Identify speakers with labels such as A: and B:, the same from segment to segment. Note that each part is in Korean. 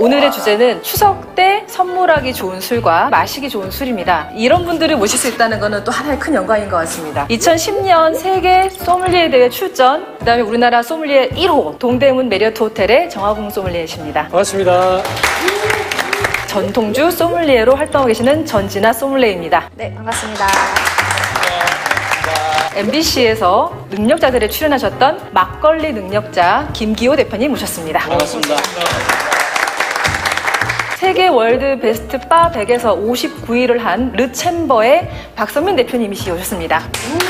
A: 오늘의 주제는 추석 때 선물하기 좋은 술과 마시기 좋은 술입니다. 이런 분들을 모실 수 있다는 것은 또 하나의 큰 영광인 것 같습니다. 2010년 세계 소믈리에 대회 출전, 그 다음에 우리나라 소믈리에 1호 동대문 메리어트 호텔의 정화공 소믈리에십니다.
B: 반갑습니다.
A: 전통주 소믈리에로 활동하고 계시는 전진아 소믈리에입니다.
C: 네, 반갑습니다.
A: MBC에서 능력자들에 출연하셨던 막걸리 능력자 김기호 대표님 모셨습니다.
B: 반갑습니다.
A: 세계 월드 베스트 바 100에서 59위를 한 르챔버의 박선민 대표님이시 오셨습니다.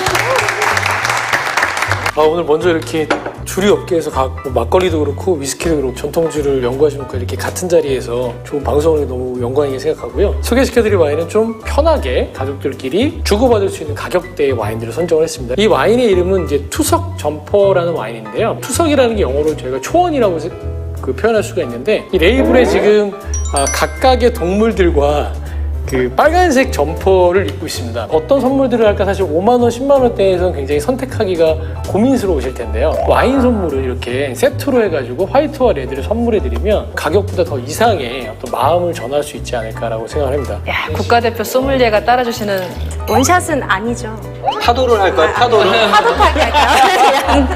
B: 오늘 먼저 이렇게 주류 업계에서 막걸리도 그렇고 위스키도 그렇고 전통주를 연구하시니까 이렇게 같은 자리에서 좋은 방송을 너무 영광이게 생각하고요. 소개시켜드릴 와인은 좀 편하게 가족들끼리 주고받을 수 있는 가격대의 와인들을 선정을 했습니다. 이 와인의 이름은 이제 투석 점퍼라는 와인인데요. 투석이라는 게 영어로 저희가 초원이라고 표현할 수가 있는데, 이 레이블에 지금 각각의 동물들과 그 빨간색 점퍼를 입고 있습니다. 어떤 선물들을 할까 사실 5만 원, 10만 원대에서는 굉장히 선택하기가 고민스러우실 텐데요. 와인 선물을 이렇게 세트로 해가지고 화이트와 레드를 선물해드리면 가격보다 더 이상의 어떤 마음을 전할 수 있지 않을까라고 생각을 합니다.
A: 야, 국가대표 소믈리에가 따라주시는
C: 원샷은 아니죠.
D: 파도를 할까요? 파도를?
C: 파도 타기 할까요?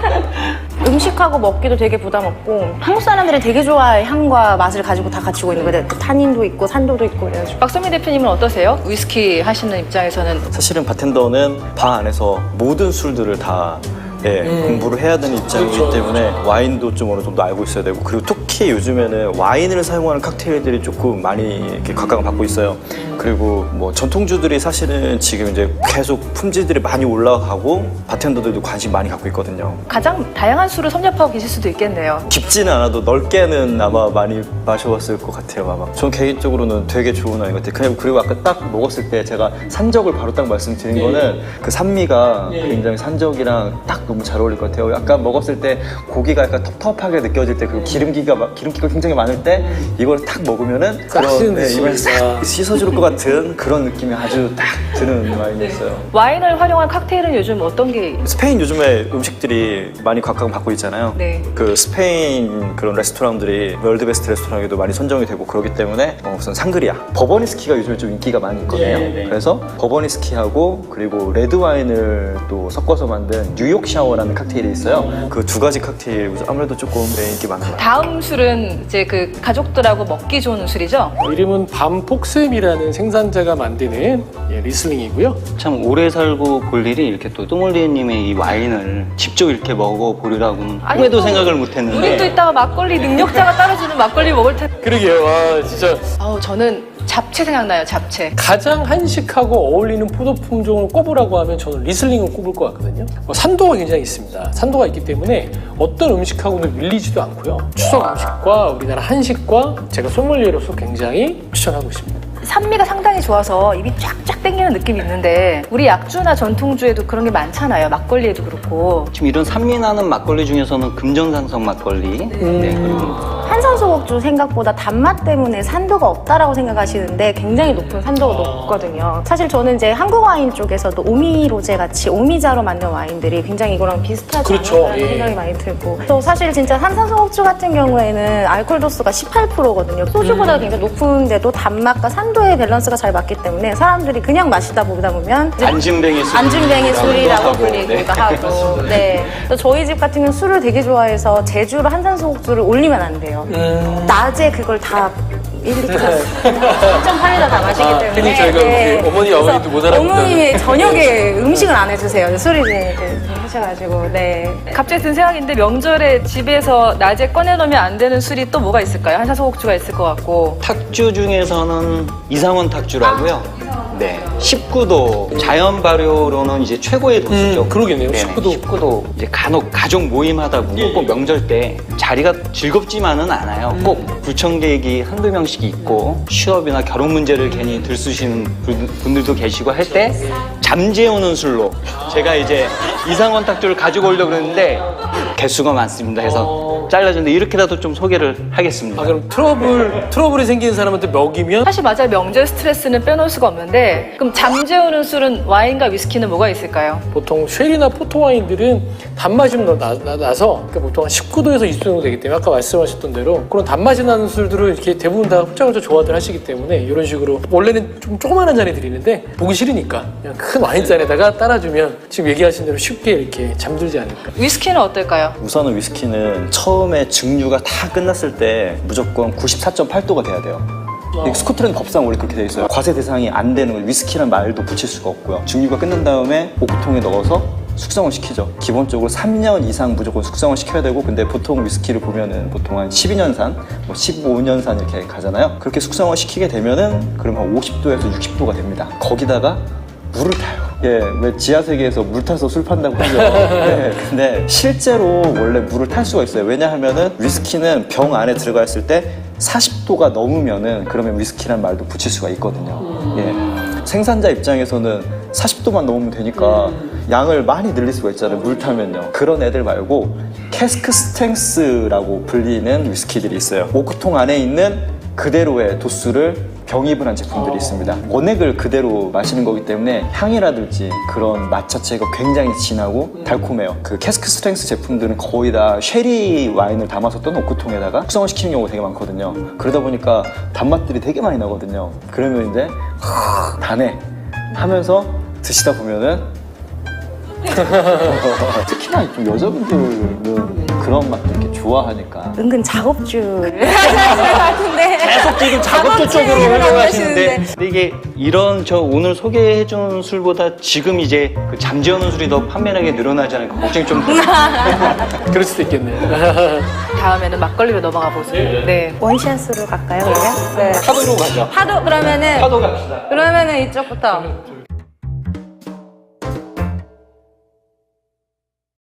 C: 음식하고 먹기도 되게 부담 없고, 한국 사람들은 되게 좋아해. 향과 맛을 가지고 다 갖추고 있는 거예요. 타닌도 있고 산도도 있고 그래가지고.
A: 박선민 대표님은 어떠세요? 위스키 하시는 입장에서는.
D: 사실은 바텐더는 바 안에서 모든 술들을 다 공부를 해야 되는 입장이기
B: 그렇죠,
D: 때문에 와인도 좀 어느 정도 알고 있어야 되고, 그리고 특히 요즘에는 와인을 사용하는 칵테일들이 조금 많이 이렇게 각광을 받고 있어요. 그리고 뭐 전통주들이 사실은 지금 이제 계속 품질들이 많이 올라가고 바텐더들도 관심 많이 갖고 있거든요.
A: 가장 다양한 술을 섭렵하고 계실 수도 있겠네요.
D: 깊지는 않아도 넓게는 아마 많이 마셔봤을 것 같아요. 아마 전 개인적으로는 되게 좋은 와인 같아요. 그리고 아까 딱 먹었을 때 제가 산적을 바로 딱 말씀드린 거는 그 산미가 굉장히 산적이랑 딱 너무 잘 어울릴 것 같아요. 약간 먹었을 때 고기가 약간 텁텁하게 느껴질 때, 그리고 기름기가 굉장히 많을 때 이걸 딱 먹으면은 그런 입을 싹 씻어줄 것 같은 그런 느낌이 아주 딱 드는 와인이었어요.
A: 와인을 활용한 칵테일은 요즘 어떤 게?
D: 스페인 요즘에 음식들이 많이 각광받고 있잖아요.
A: 네.
D: 그 스페인 그런 레스토랑들이 월드 베스트 레스토랑에도 많이 선정이 되고 그러기 때문에 우선 상그리아, 버버니스키가 요즘에 좀 인기가 많이 있거든요. 그래서 버버니스키하고 그리고 레드 와인을 또 섞어서 만든 뉴욕 샤워라는 칵테일이 있어요. 그 두 가지 칵테일 아무래도 조금 인기 많은 것 같아요.
A: 다음 술은 이제 그 가족들하고 먹기 좋은 술이죠?
B: 이름은 밤폭스임이라는 생산자가 만드는 리슬링이고요.
E: 참 오래 살고 볼 일이 이렇게 또 소믈리에님의 이 와인을 직접 이렇게 먹어보리라고는
A: 아니,
E: 꿈에도
A: 또
E: 생각을 못했는데.
A: 우리 또 이따가 막걸리 능력자가 따라주는 막걸리 먹을 텐데.
B: 그러게요. 와, 진짜
A: 저는 잡채 생각나요, 잡채.
B: 가장 한식하고 어울리는 포도 품종을 꼽으라고 하면 저는 리슬링을 꼽을 것 같거든요. 산도가 굉장히 있습니다. 산도가 있기 때문에 어떤 음식하고는 밀리지도 않고요. 추석 음식과 우리나라 한식과 제가 소믈리에로서 굉장히 추천하고 있습니다.
A: 산미가 상당히 좋아서 입이 쫙쫙 당기는 느낌이 있는데, 우리 약주나 전통주에도 그런 게 많잖아요. 막걸리에도 그렇고.
E: 지금 이런 산미 나는 막걸리 중에서는 금정산성 막걸리. 네, 그리고
C: 한산소곡주 생각보다 단맛 때문에 산도가 없다라고 생각하시는데 굉장히 높은 산도가 높거든요. 사실 저는 이제 한국 와인 쪽에서도 오미로제 같이 오미자로 만든 와인들이 굉장히 이거랑 비슷하지
B: 그렇죠.
C: 않을까라는 생각이 많이 들고, 또 사실 진짜 한산소곡주 같은 경우에는 알코올 도수가 18%거든요. 소주보다 굉장히 높은데도 단맛과 산도의 밸런스가 잘 맞기 때문에 사람들이 그냥 마시다 보면
E: 안진뱅이 술.
C: 안진뱅이 술이라고
E: 하고,
C: 불리기도
E: 네.
C: 하고. 네. 그래서 저희 집 같은 경우는 술을 되게 좋아해서 제주로 한산소곡주를 올리면 안 돼요. 낮에 그걸 다 1리터 1.8리터 다 마시기 때문에.
B: 괜히 저희가 우리 어머니,
C: 그래서
B: 아버님도 못 알아듣는다.
C: 어머님이 저녁에 음식을 안 해주세요. 술을 이제 하셔가지고. 네.
A: 갑자기 든 생각인데, 명절에 집에서 낮에 꺼내놓으면 안 되는 술이 또 뭐가 있을까요? 한사소곡주가 있을 것 같고.
E: 탁주 중에서는 이상원 탁주라고요. 네, 19도 자연 발효로는 이제 최고의 도수죠.
B: 그러겠네요.
E: 네네,
B: 19도.
E: 19도. 이제 간혹 가족 모임하다 보면 꼭 명절 때 자리가 즐겁지만은 않아요. 꼭 불청객이 한두 명씩 있고 취업이나 결혼 문제를 괜히 들쑤시는 분들도 계시고 할 때 잠재우는 술로 제가 이제 이상원 탁주를 가지고 오려고 그랬는데 개수가 많습니다. 해서 잘라줬는데 이렇게라도 좀 소개를 하겠습니다.
B: 아, 그럼 트러블이 생기는 사람한테 먹이면
A: 사실 맞아요. 명절 스트레스는 빼놓을 수가 없는데 그럼 잠재우는 술은 와인과 위스키는 뭐가 있을까요?
B: 보통 쉘이나 포토 와인들은 단맛이 나서 그러니까 보통 한 19도에서 20도 정도 되기 때문에 아까 말씀하셨던 대로 그런 단맛이 나는 술들을 이렇게 대부분 다 훌쩍훌쩍 좋아들 하시기 때문에 이런 식으로 원래는 좀 조그마한 잔에 드리는데 보기 싫으니까 그냥 큰 와인잔에다가 따라주면 지금 얘기하신 대로 쉽게 이렇게 잠들지 않을까.
A: 위스키는 어떨까요?
D: 우선은 위스키는 처음에 증류가 다 끝났을 때 무조건 94.8도가 돼야 돼요. 이 스코틀랜드 법상 원래 그렇게 돼 있어요. 과세 대상이 안 되는 거예요. 위스키란 말도 붙일 수가 없고요. 증류가 끝난 다음에 오크통에 넣어서 숙성을 시키죠. 기본적으로 3년 이상 무조건 숙성을 시켜야 되고, 근데 보통 위스키를 보면은 보통 한 12년산, 뭐 15년산 이렇게 가잖아요. 그렇게 숙성을 시키게 되면은 그럼 한 50도에서 60도가 됩니다. 거기다가 물을 타요. 예, 왜 지하세계에서 물 타서 술 판다고 하죠. 네, 근데 실제로 원래 물을 탈 수가 있어요. 왜냐하면은 위스키는 병 안에 들어가 있을 때 40도가 넘으면은 그러면 위스키란 말도 붙일 수가 있거든요. 예, 생산자 입장에서는 40도만 넘으면 되니까 양을 많이 늘릴 수가 있잖아요. 물 타면요. 그런 애들 말고 캐스크 스트렝스라고 불리는 위스키들이 있어요. 오크통 안에 있는 그대로의 도수를 병입을 한 제품들이 있습니다. 원액을 그대로 마시는 거기 때문에 향이라든지 그런 맛 자체가 굉장히 진하고 달콤해요. 그 캐스크 스트렝스 제품들은 거의 다 쉐리 와인을 담아서 떤 오크통에다가 숙성을 시키는 경우가 되게 많거든요. 그러다 보니까 단맛들이 되게 많이 나거든요. 그러면 이제 단해 하면서 드시다 보면은 특히나 좀 여자분들은 그런 맛들 이렇게 좋아하니까
C: 은근 작업주를 하시는 것 같은데.
E: 계속 지금 작업주 쪽으로 흘러가시는데, 근데 이게 이런 저 오늘 소개해준 술보다 지금 이제 그 잠재우는 술이 더 판매량이 늘어나지 않을까 걱정이 좀 돼요.
B: 그럴 수도 있겠네요.
A: 다음에는 막걸리로 넘어가 보세요. 네.
C: 원샷으로 갈까요, 그러면? 네.
B: 파도로 가죠.
C: 파도, 그러면은.
E: 파도 갑시다.
C: 그러면은 이쪽부터.